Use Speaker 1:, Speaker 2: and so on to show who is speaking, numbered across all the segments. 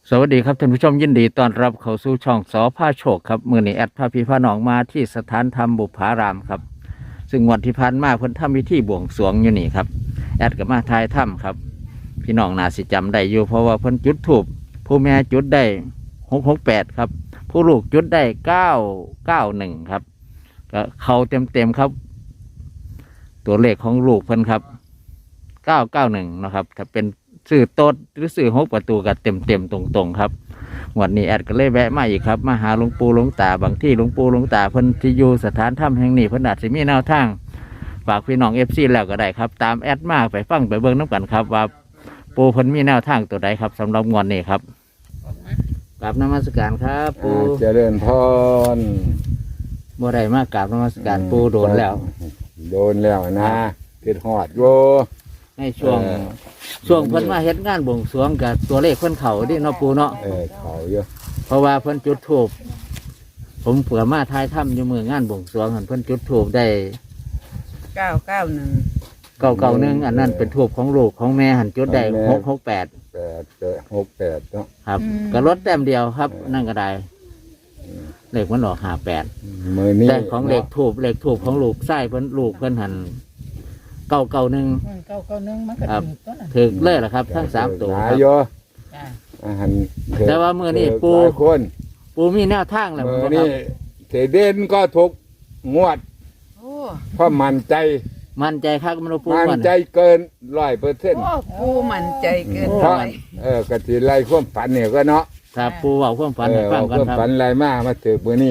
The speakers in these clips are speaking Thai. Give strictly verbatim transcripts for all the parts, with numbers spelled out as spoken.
Speaker 1: สวัสดีครับท่านผู้ชมยินดีต้อนรับเข้าสู่ช่องสอพาโชคครับมือนี้แอดพาพี่พาน้องมาที่สถานธรรมบุพารามครับซึ่งวันที่ผ่านมาเพิ่นทำพิธีบวงสรวงอยู่นี่ครับแอดกับมาทายถ้ำครับพี่น้องน่าสิจำได้อยู่เพราะว่าเพิ่นจุดถูกผู้แม่จุดได้หกหกแปดครับผู้ลูกจุดได้เก้าเก้าหนึ่งครับก็เข้าเต็มเต็มครับ ตัวเลขของลูกเพิ่นครับเก้าเก้าหนึ่งนะครับถ้าเป็นสื่อโต๊ดหรือสื่อหกประตูก็เต็มเต็มตรงๆครับวันนี้แอดก็เลยแวะมาอีกครับมาหาหลวงปู่หลวงตาบางที่หลวงปู่หลวงตาเพิ่นที่อยู่สถานถ้ำแห่งนี้เพิ่นอาจจะมีแนวทางฝากพี่น้องเอฟซีแล้วก็ได้ครับตามแอดมาไปฟังไปเบิ่งน้ำกันครับว่าปู่เพิ่นมีแนวทางตัวใดครับสำหรับงวดนี้ครับกราบนมัสการครับปู่
Speaker 2: เจริญพร
Speaker 1: บ่ได้มากราบนมัสการปู่โดนแล้ว
Speaker 2: โดนแล้วนะคิดหอดโย
Speaker 1: ในช่วง
Speaker 2: เออ
Speaker 1: ช่วงเพิ่นมาเฮ็ดงานบวงสรวงกับตัวเลขเพิ่นเขาดิเนาะปู่เนาะ
Speaker 2: เออเขาเยอะ
Speaker 1: เพราะว่าเพิ่นจุดธูปผมเผื่อมาทายถ้ำอยู่มืองานบวงสรวงหันเพิ่นจุดธูปได้
Speaker 3: เก้าเก้าหนึ่ง
Speaker 1: เก่าเก่าๆหนึงอันนั้นเป็นธูปของลูกของแม่หันจุดได้หกหกแปด
Speaker 2: แปดแปดหกแปดเนาะ
Speaker 1: ครับก็ลดแต้มเดียวครับ นั่นก็ได้เลขมันออกห้าแปด
Speaker 2: มือนี้
Speaker 1: แต่ของเลขธูปเลขธูปของลูกไส้เพิ่นลูกเพิ่นหันเก่าเก่าๆหนึง
Speaker 3: เก้าเก้าหนึ่งมันก็
Speaker 1: ครับ
Speaker 3: ถูกต้นน่ะ
Speaker 1: ถึกเลยล่ะครับ ทั้งสามตัว
Speaker 2: ห
Speaker 1: ค
Speaker 2: ลา
Speaker 1: รั
Speaker 2: ย
Speaker 1: บ
Speaker 2: โย
Speaker 3: จ้า
Speaker 2: อาหาร
Speaker 1: แต่ว่ามื้อนี้ปู่
Speaker 2: หลายคน
Speaker 1: ปูมีแนวทางแล้ว
Speaker 2: มือ
Speaker 1: บ่ครั
Speaker 2: นี้
Speaker 1: บ
Speaker 2: เทเด่นก็ทุกงวด
Speaker 3: โอ้
Speaker 2: เพราะมั่นใจ
Speaker 1: มั่นใจครับมันบ่ปู
Speaker 2: มั่น
Speaker 1: ก่อน
Speaker 2: ใจเกินร้อยเปอร์เซ็นต์
Speaker 3: โอ้ปูมั่นใจเกิน
Speaker 1: โอ้
Speaker 2: เพ
Speaker 3: ไป
Speaker 2: ราะเออกะทิไล่ความฝันเนี่ยก็เนาะ
Speaker 1: ครับปูเว้าความฝัน
Speaker 2: เอ
Speaker 1: ให้
Speaker 2: อ
Speaker 1: ฟัง
Speaker 2: เอา
Speaker 1: ก่อน
Speaker 2: เครื่อง
Speaker 1: ครับ
Speaker 2: ฝันอะไรมามาถือมือนี้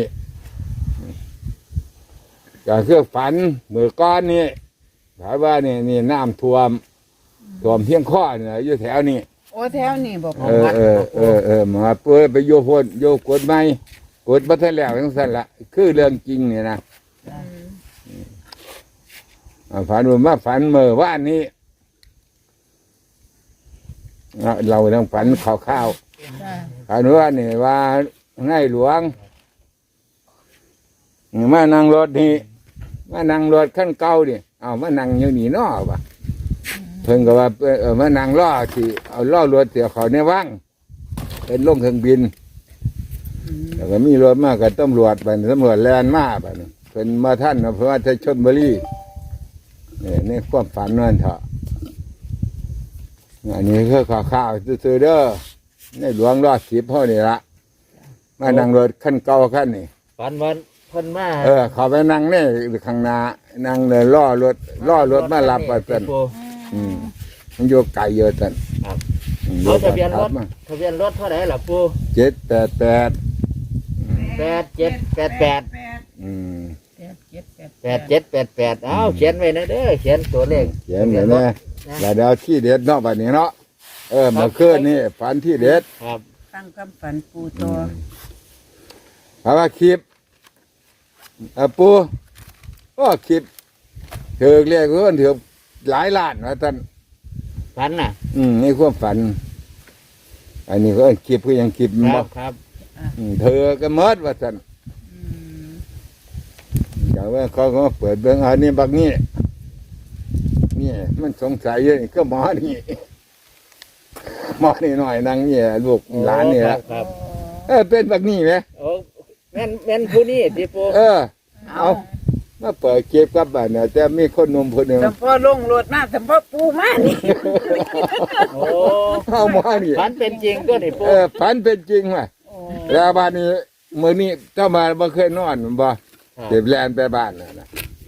Speaker 2: ก็เครื่องฝันมือก้อนนี่ถามว่านี่นี่น้ำท่วมท่วมเพียงข้อเนี่ยอยู่แถวนี้
Speaker 3: โอ้แถวนี่บอก
Speaker 2: เออเออเออเออมาเพื่อไปโยพนโยกดไม่กดบัตรแล้วทั้งสั้นละคือเรื่องจริงเนี่ยนะอ่าฝันว่ามาฝันเมื่อวานนี้อ่ะเราต้องฝันข่าวข้าวๆ
Speaker 3: จ้า
Speaker 2: อันว่านี่ว่าง่ายหลวงมานั่งรถนี่มานั่งรถขั้นเก่าดิเอามานั่งอยู่นี่เนอวะเพิ่นก็ว่าเออมานั่งล้อที่เอาล้อรถเสียเขาในว่างเป็นลงเครื่องบินแล้วก็มีรถมากับตำรวจไปตำรวจแลนมาไปเพิ่นมาท่านเพราะว่าจะชนบุรีเนี่ยในความฝันนั่นเถอะอันนี้คือข่าวข้าวๆซื่อๆเด้อ ในหลวงรอดสิบพ่อนี่ละมานั่งรถขั้นเก่าขั้นนี่
Speaker 1: ฝันวันเพิ่นมา
Speaker 2: เออเขาไปนั่งนี่ข้างหน้านั่งเลยล่อรถล่อรถมารับไปเป็น
Speaker 1: ปู
Speaker 2: อืมมันโยกไก่เยอะตัน
Speaker 1: ครับ
Speaker 2: อืมโย
Speaker 1: เอา
Speaker 2: ก
Speaker 1: ทะเบียนรถ
Speaker 2: มา
Speaker 1: ทะเบียนรถเท่าไหร่ล่ะปู
Speaker 2: เจ็ดแปดแปด
Speaker 1: แปดเจ็ดแปดแปด
Speaker 2: อืม
Speaker 3: แปดเจ็ดแปด
Speaker 1: แปดเจ็ดแปดแปดเอาเขียนไว้นะเด้อเขียนตัวเลข
Speaker 2: เขียนเลยนะแล้วเดี๋ยวที่เด็ดเนาะบัดนี้เนาะเออเมื่อคืนนี่ฝันที่เด็ด
Speaker 1: ครับ
Speaker 3: ตั้งคำฝันปูตัว
Speaker 2: เพราะว่าคลิปเออปูก็คลิปถือเรียกเพื่อนถือหลายล้านว่าท่าน
Speaker 1: ฝันน่ะ
Speaker 2: อืมในความฝัน อันนี้ก็คลิปก็ยังคลิป
Speaker 1: ค
Speaker 2: บ่
Speaker 1: รับครับ
Speaker 2: อืมเธอก็เมิดว่าท่าน
Speaker 3: อืม
Speaker 2: อย่างว่าเขาก็เปิดเบื้องอันนี้บักนี้นี่มันสงสัยเยอะก็หมอนี่หมอนี่หน่อยนางเนี่ยลูกหลานนี่
Speaker 1: ค
Speaker 2: ละ
Speaker 1: รับครับ
Speaker 2: เออเป็นบักนี้ไหม
Speaker 1: โอ้แม่นแม่นผู้นี้ที่ปู
Speaker 2: เออ เอามาเปิดเก็บกับบ้านเนี่ยแต่มีคนหนุ่มคนหนึ่ง
Speaker 3: สมพ่อลงรถมาสมพ่อปูมานี่
Speaker 1: โอ้
Speaker 2: เอาหมอนี่
Speaker 1: ฝันเป็นจริงตัวนี่ปู
Speaker 2: เออฝันเป็นจริงว่ะ
Speaker 3: โอ้
Speaker 2: แล้วบ้านนี้มื้อนี้เจ้ามาบ่เคยนอนบ่
Speaker 1: ครับ
Speaker 2: เก็บแลนไปบ้านน่ะนะ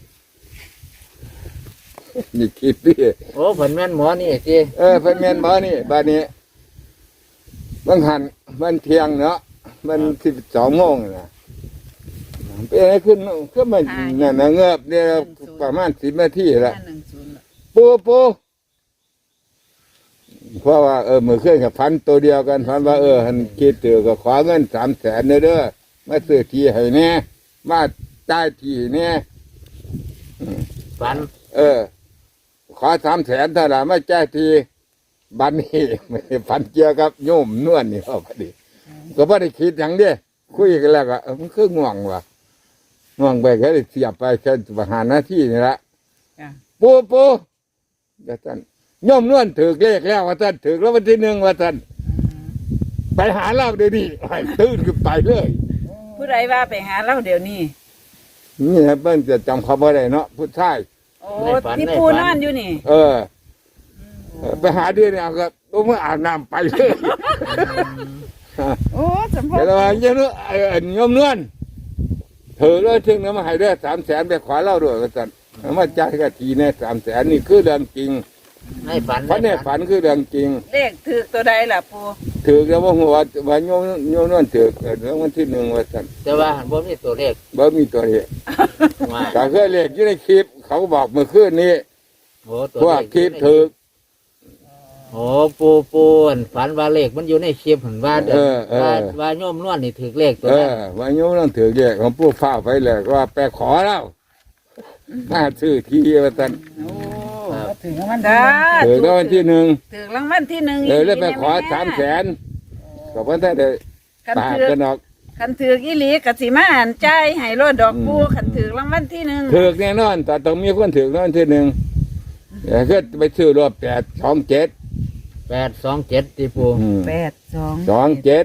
Speaker 2: นี่คิดดิ
Speaker 1: โอ้เพิ่นแม่นหมอนี่สิ
Speaker 2: เออเป็นแม่นบ่นี่บ้านนี้บางหันมันเที่ยงเนาะมันสิบสองโมงนะเป็นอะไรขึ้นก็มันนั่นนะเงือบเนี่ยประมาณสิบนาทีละ
Speaker 3: ห้าหนึ่งศูนย์ละ
Speaker 2: ปูปูเพราะว่าเออมือเครื่องกับพันตัวเดียวกันพันว่าเออหันคิดเตือก็ขอเงินสามแสนเด้อมาซื้อที่ให้แน่มาจ่ายที่แน่
Speaker 1: ฝัน
Speaker 2: เออ ขอสามแสนเท่าไหร่ไม่จ่ายทีบันนี้ไม่ได้ฝันเกี่ยวกับโยมนวลนี่เขาพอดีก็ไม่ได้คิดอย่างเดียวคุยกันแล้วก็เออมันคือง่วงว่ะง่วงไปแค่เสียบไปแค่ประหารหน้าที่นี่ละ
Speaker 3: จ้า
Speaker 2: ปูปูเดี๋ยวท่านโยมนวลถือเลขแล้วว่าท่านถือแล้ววันที่หนึ่งว่าท่านไปหาเราเดี๋ยวนี้ให้ตื่นขึ้นไปเลย
Speaker 3: ผู้ใดว่าไปหาเราเดี๋ยวนี้
Speaker 2: นี่ครับเพิ่นจะจำเขาบ่ได้เนาะผู้ชาย
Speaker 3: โอ้ที่ปูนอนอยู่นี่
Speaker 2: เออ ไปหาเดือนเนี่ยก็ต้องมาอาบน้ำไปเลย
Speaker 3: โอ้สมพ
Speaker 2: แต่
Speaker 3: ร
Speaker 2: ว่าเยอะเนอะไอ้ไอ้โยมนวลเธอเลยถึงน้ำมาให้ได้สามแสนไปขอเล่าด้วยกันจันมาจ่ายกันทีเนี่ยสามแสนนี่คือเรื่องจริง
Speaker 1: ในฝัน
Speaker 2: ฝันเนี่ยฝันคือเรื่องจริง
Speaker 3: เลขถือตัวใดล่ะปู
Speaker 2: ถือแล้วว่าหัวว่าโยมโยมนวลถือเรื่องวันที่หนึ่งว่าจัน
Speaker 1: แต่ว่าหันบ่มีตัวเลข
Speaker 2: บ่มีตัวเลข
Speaker 1: ว่า
Speaker 2: แต่เคยเลขอยู่ในคลิป เขาบอกเมื่อคืนนี้
Speaker 1: โอ้ตัว
Speaker 2: พวก
Speaker 1: เลข
Speaker 2: คลิปถือ
Speaker 1: โอ้ปูปูอั่นฝันว่าเลขมันอยู่ในคลิปเห็นว่าเด้
Speaker 2: เอ
Speaker 1: อ
Speaker 2: อเออ
Speaker 1: ว่าว่าโยมนวลนี่ถือเลขตัว
Speaker 2: เอ
Speaker 1: นั้น
Speaker 2: อว่าโยมนวลถือเลขของผู้ฟ้าไปเลยว่าไปขอแล้วน่าซื้อทีว่าจัน
Speaker 3: โอ้
Speaker 4: ถึงมัน
Speaker 3: จ้า
Speaker 2: ถือแล้ววันที่หนึ่ง
Speaker 3: ถือรางวัลที่หนึ่ง
Speaker 2: เออแล้วไปขอสามแสนก็เพิ่นได้ได้
Speaker 3: คัน
Speaker 2: ปาก
Speaker 3: ถือ
Speaker 2: กันออก
Speaker 3: คันถืออีหลีกสิมาอ่านใจายให้รถดอกปู
Speaker 2: อืม
Speaker 3: คันถือรางวัลที่หนึ่ง
Speaker 2: ถือแน่นอน แต่ต้องมีคนถือแล้ววันที่หนึ่งเดี๋ยวก็ไปซื้อรถแปดสองเจ็ด
Speaker 1: แปดสองเจ็ดที่ปู
Speaker 3: แปดสอง
Speaker 2: สองเจ็ด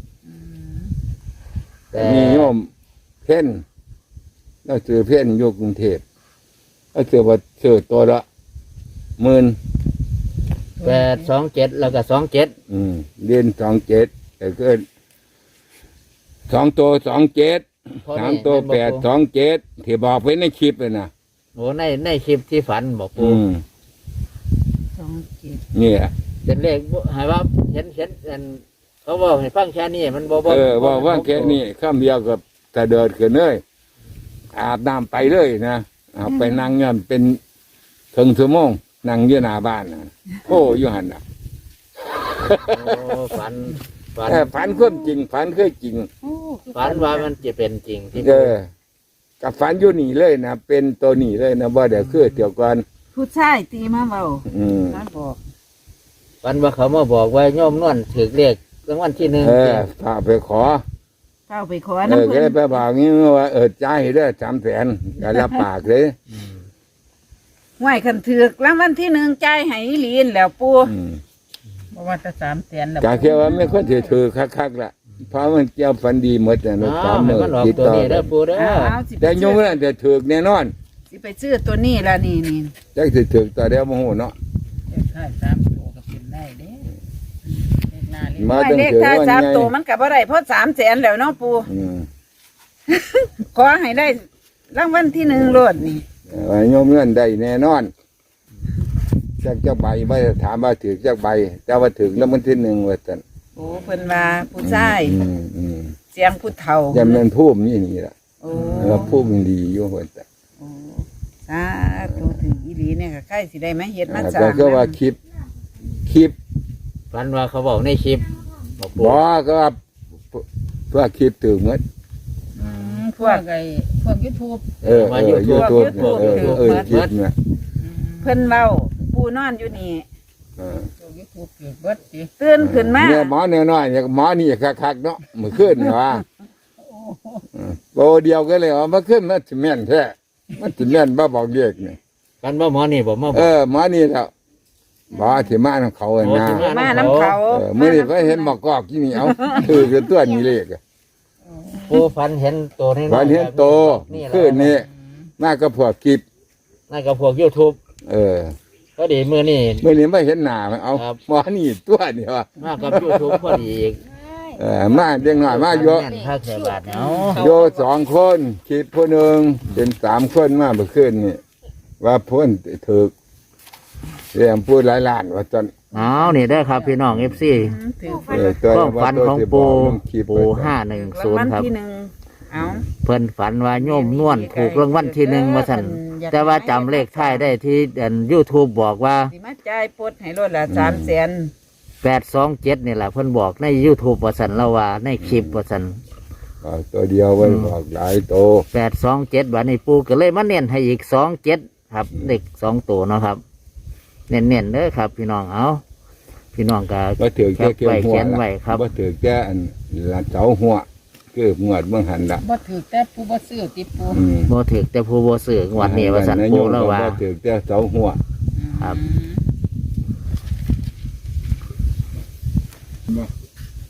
Speaker 1: แต่
Speaker 2: มีโยมเพ่นเราซื้อเพ่นอยู่กรุงเทพเราซื้อว่าซื้อตัวละหมื่น
Speaker 1: แปดสองเจ็ดแล้วก็สองเจ็ด
Speaker 2: อืมเรียนสองเจ็ดแต่ก็สองตัวสองเจ็ดสามตัวแปดสองเจ็ดที่บอกไว้ในคลิปเลยนะ
Speaker 1: โอ้ในในคลิปที่ฝันบอกปู
Speaker 2: อืม
Speaker 3: สองเจ็ด
Speaker 2: เนี่ย
Speaker 1: เป็นเลขบ่ให้ว่าเห็นเห็นอันเขาบอกให้ฟังแค่นี้มันบ่บ่
Speaker 2: เออบอกว่าแค่นี้ข้ามเดียวกับแต่เดินขึ้นเลยอาบน้ำไปเลยนะเอาไปนั่งเงินเป็นถึงชั่วโมงนั่งอยู่หน้าบ้านนะโอ้อยู่หันนะ
Speaker 1: โอ้ฝันฝัน
Speaker 2: แต่ฝันความจริงฝันเคยจริง
Speaker 1: ฝันว่ามันจะเป็นจริงที่
Speaker 2: เออกับฝันอยู่นี่เลยนะเป็นตัวนี่เลยนะว่าเดี๋ยวคือเดี๋ยวก่อน
Speaker 3: ผู้ชายตีมาเบา
Speaker 2: อืม
Speaker 3: นั่นบอก
Speaker 1: ฝันว่าเขามาบอกว่าโยมนวลถือเลขรางวัลที่หนึ่ง
Speaker 2: เออพาไปขอ
Speaker 3: เข้าไปขอ
Speaker 2: เอ
Speaker 3: น้ำ
Speaker 2: อก็
Speaker 3: เพิ่
Speaker 2: ได้
Speaker 3: น
Speaker 2: ไปบอกงี้ว่าเออจ่ายให้ได้สามแสนก็รับปากเลย
Speaker 3: ไหวคันถือกรางวัลที่หนึ่งใจายให้อีหลีนแล้วปู
Speaker 2: อืม
Speaker 4: เพราะว่าจะสามแสนแล้ว
Speaker 2: กาแค่ว่าไม่ค่อยถือถือคักๆละเพราะมันเจ้าฝันดีหมดนะ
Speaker 1: อ๋
Speaker 2: ลูก
Speaker 1: อ
Speaker 2: สาม
Speaker 1: ให้
Speaker 2: มือ
Speaker 1: มันออก
Speaker 2: ติด
Speaker 1: ตัว
Speaker 2: ต่อ
Speaker 1: นี้
Speaker 2: กั
Speaker 1: เด้อน ปูเด้อ
Speaker 3: เอาสิไป
Speaker 2: แต่โย
Speaker 3: ซื้
Speaker 2: ม
Speaker 3: อ
Speaker 2: นั่นจะถือแน่นอน
Speaker 3: สิไปซื้อตัวนี้ละนี่นี่
Speaker 2: จักสิถือต่อเดียวโมโหเนาะ
Speaker 4: เลขท้ายสามตัวก็เป็นได้เด้เลขหน้าเลข
Speaker 2: มา
Speaker 3: ไหว
Speaker 2: ตั้ง
Speaker 3: เลข
Speaker 2: ถือ
Speaker 3: ท้าย
Speaker 2: ว่า
Speaker 3: สาม
Speaker 2: ไง
Speaker 3: ตัวมันกับอะไรเพราะสามแสนแล้วเนาะปู
Speaker 2: อืม
Speaker 3: ขอให้ได้รางวัลที่หนึ่งโลดนี่
Speaker 2: ว่าโยมเงื่อนได้แน่นอนจักจักใบไม่ได้ถามว่าถือจักใบแต่ว่าถือแล้วมันที่หนึ่งว่าจัน
Speaker 3: โอ้เพิ่นว่าผู้ชาย
Speaker 2: อืมอืม
Speaker 3: เสียงผู้เฒ่า
Speaker 2: จำเป็นผู้มนี่นี่ละ
Speaker 3: โอ้
Speaker 2: แล้วผู้มันดีอยู่ว่าจัน
Speaker 3: โอ้สาธุถึงอีหลีเนี่ยก็ใกล้สิได้มาเฮ็ดมาสร้า
Speaker 2: แต่
Speaker 3: ง
Speaker 2: ก็ว่าคลิปคลิป
Speaker 1: ฝันว่าเขาบอกในคลิปบอกปู
Speaker 2: บอกก็ว่าเพื่อคลิปถือเหมือน
Speaker 4: อืมพวกไอ้พวกยูทูบ
Speaker 2: เออเออยูทูบเออเออคลิปเนี่ย
Speaker 3: เพิ่นเว้าปูนอนอยู่นี่
Speaker 2: เออ
Speaker 4: พวกยูทูบเกิดเบิดสิ
Speaker 3: ตื่นขึ้นมา
Speaker 2: เนี่ยหมอเนี่ยน้อยเนี่ยหมอนี่คักๆเนาะมือขึ้นเนี่ยว่าโบเดียวก็เลยว่ามาขึ้นมันจะแม่นแท้มันจะแม่นบ้าบอกเรียกเนี่ย
Speaker 1: ฝันว่าหมอนี่บอกมาบ
Speaker 2: เอ
Speaker 1: อก
Speaker 2: อหมอนี่แล้วหมอที่มาของเขาอะ
Speaker 1: โอ้
Speaker 2: นะ
Speaker 1: ที่
Speaker 3: มาน้ำเขา
Speaker 2: เออเมื่อนี้ไปเห็นหมอกกอกที่นี่เอาคือคือตัวนี้เลขอะ
Speaker 1: ปูฝันเห็นตัวนี้
Speaker 2: วันเห็นโต
Speaker 1: นี่
Speaker 2: ขึ้นนี่มาก็พวกคลิป
Speaker 1: นั่นก็พวกยูทูบ
Speaker 2: เออ
Speaker 1: ก็ดีมือนี่
Speaker 2: เมื่อนี้ไม่เห็นหน้ามันเอา
Speaker 1: ครับ
Speaker 2: หมอนี่ตัวนี่วะ
Speaker 1: มากับยูทูบพอดีอีก
Speaker 2: เออมาเด็กหน่อยมาโย
Speaker 1: แม่นภาคเสียบาทเนาะ
Speaker 2: โยสองคนคลิปผู้หนึ่งเป็นสามคนมาเมื่อคืนนี่ว่าพ้นถึกเรียงพูดหลายล้านว่าจน
Speaker 1: เอานี่ได้อครับพี่น้องเอฟซี
Speaker 3: ถือ
Speaker 2: เออตัว
Speaker 1: ความฝันของปูปูห้าหนึ่ง
Speaker 3: ราง
Speaker 1: ศูน
Speaker 3: วั
Speaker 1: ย์
Speaker 3: ล
Speaker 1: ครับ
Speaker 3: ที่หนึ่งเอา
Speaker 1: เพิ่นฝันว่าโยมนวลถูกรางวัลที่หนึ่งมาสั่นแต่ว่าจำเลขท้ายได้ที่ยูทูบบอกว่า
Speaker 3: สิมาจ่ายปลดให้รถละสามแสน
Speaker 1: แปดสองเจ็ดนี่แหละเพิ่นบอกในยูทูบว่าสันเราว่าในคลิปว่าสัน
Speaker 2: เอาตัวเดียวไว้บอกหลายโต
Speaker 1: แปดสองเจ็ดวันนี้ปูก็เลยมาเน้นให้อีกสองเจ็ดครับเด็กสองตัวเนาะครับ เน้นๆเด้อครับ พี่น้องเอาพี่น้องก็
Speaker 2: ว่าถือ
Speaker 1: แค
Speaker 2: แค่
Speaker 1: ป
Speaker 2: เกี่ยว
Speaker 1: ไว้
Speaker 2: หัว
Speaker 1: เขียน
Speaker 2: ละ
Speaker 1: ไว้ครับ
Speaker 2: ว่าถือแค่อันละเสาหัวคือหมวดเมื่อหันละ
Speaker 4: บ่ถือแต่ปูบ่ซื้อติปู
Speaker 2: อืม
Speaker 1: โมถึกแต่ผู้โบสื่องวันนี้ว่าสันปูแล้วว่า
Speaker 2: ถือแค่เสาหัว
Speaker 1: ครับ
Speaker 4: อืม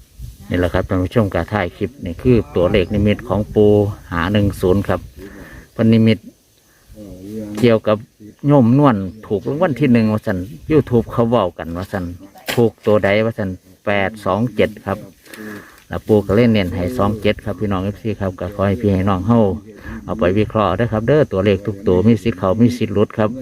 Speaker 1: นี่แหละครับท่านผู้ชมการถ่ายคลิปนี่คือตัวเลขนิมิตของปูหาหนึ่งศูนย์ครับเพนนิมิตเกี่ยวกับโยมนวลถูกรางวัลที่หนึ่งว่าสันยูทูบเขาเว้ากันว่าสันถูกตัวใดว่าสันแปดสองเจ็ดครับแล้วปูก็เล่นเน้นให้สองเจ็ดครับพี่น้องเอฟซีครับก็ขอให้พี่ให้น้องเฮาเอาไปวิเคราะห์ได้ครับเด้อตัวเลขทุกตัวมีสิทธิ์เขามีสิทธิ์หลุดครับ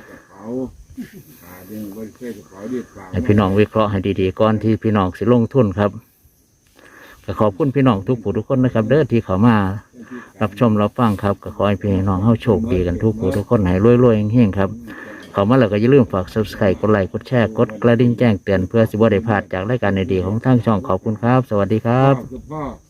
Speaker 1: ให้พี่น้องวิเคราะห์ให้ดีๆก่อนที่พี่น้องสิลงทุนครับก็ขอบคุณพี่น้องทุกผู้ทุกคนนะครับเด้อที่เขามารับชมรับฟังครับก็ขอให้พี่น้องเฮาโชคดีกันทุกผู้ทุกคนให้รวยๆเฮงๆครับเขามาแล้วก็อย่าลืมฝาก ซับสไครบ์ กดไลค์กดแชร์กดกระดิ่งแจ้งเตือนเพื่อสิบ่ได้พลาดจากรายการดีๆของทางช่องขอบคุณครับสวัสดีครับ
Speaker 2: พ่อ